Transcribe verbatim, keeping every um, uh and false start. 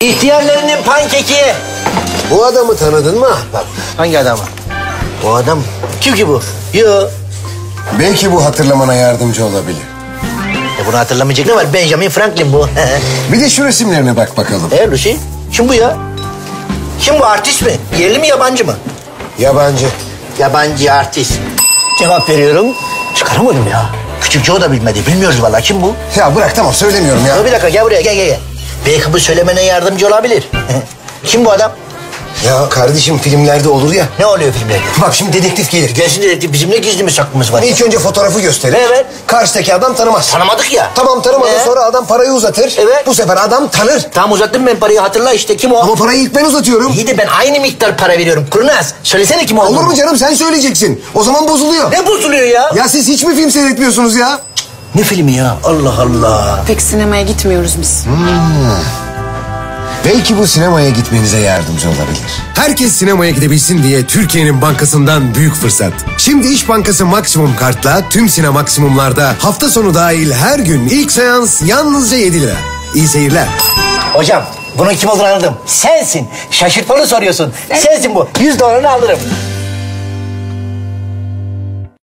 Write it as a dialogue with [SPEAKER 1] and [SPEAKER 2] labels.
[SPEAKER 1] İhtiyarlarının pankeki.
[SPEAKER 2] Bu adamı tanıdın mı ahbap?
[SPEAKER 1] Hangi adamı? O adam kim ki bu? Yo.
[SPEAKER 2] Belki bu hatırlamana yardımcı olabilir.
[SPEAKER 1] E bunu hatırlamayacak ne var? Benjamin Franklin bu.
[SPEAKER 2] Bir de şu resimlerine bak bakalım.
[SPEAKER 1] E Lucy? Kim bu ya? Kim bu, artist mi? Yerli mi yabancı mı?
[SPEAKER 2] Yabancı.
[SPEAKER 1] Yabancı artist. Cevap veriyorum. Çıkaramadım ya. Küçük Joe da bilmedi. Bilmiyoruz vallahi, kim bu?
[SPEAKER 2] Ya bırak tamam söylemiyorum ya.
[SPEAKER 1] Dur bir dakika, gel buraya, gel gel gel. Belki bu söylemene yardımcı olabilir. Kim bu adam?
[SPEAKER 2] Ya kardeşim filmlerde olur ya.
[SPEAKER 1] Ne oluyor filmlerde?
[SPEAKER 2] Bak şimdi dedektif gelir.
[SPEAKER 1] Gelsin dedektif, bizim ne gizli mi saklımız var?
[SPEAKER 2] İlk önce fotoğrafı gösterir.
[SPEAKER 1] Evet.
[SPEAKER 2] Karşıdaki adam tanımaz.
[SPEAKER 1] Tanımadık ya.
[SPEAKER 2] Tamam tanımadı,
[SPEAKER 1] Ee?
[SPEAKER 2] sonra adam parayı uzatır.
[SPEAKER 1] Evet.
[SPEAKER 2] Bu sefer adam tanır.
[SPEAKER 1] Tamam, uzattım ben parayı, hatırla işte, kim o?
[SPEAKER 2] Ama parayı ilk ben uzatıyorum.
[SPEAKER 1] İyi de ben aynı miktar para veriyorum. Kurnaz, söylesene kim olduğunu.
[SPEAKER 2] Olur mu canım, sen söyleyeceksin. O zaman bozuluyor.
[SPEAKER 1] Ne bozuluyor ya?
[SPEAKER 2] Ya siz hiç mi film seyretmiyorsunuz ya?
[SPEAKER 1] Ne filmi ya? Allah Allah.
[SPEAKER 3] Pek sinemaya gitmiyoruz biz.
[SPEAKER 2] Belki bu sinemaya gitmenize yardımcı olabilir.
[SPEAKER 4] Herkes sinemaya gidebilsin diye Türkiye'nin bankasından büyük fırsat. Şimdi İş Bankası Maksimum Kart'la tüm Sine Maksimum'larda hafta sonu dahil her gün ilk seans yalnızca yedi lira. İyi seyirler.
[SPEAKER 1] Hocam, bunun kim olduğunu anladım. Sensin. Şaşırtmalı soruyorsun. Sensin bu. Yüz dolarını alırım.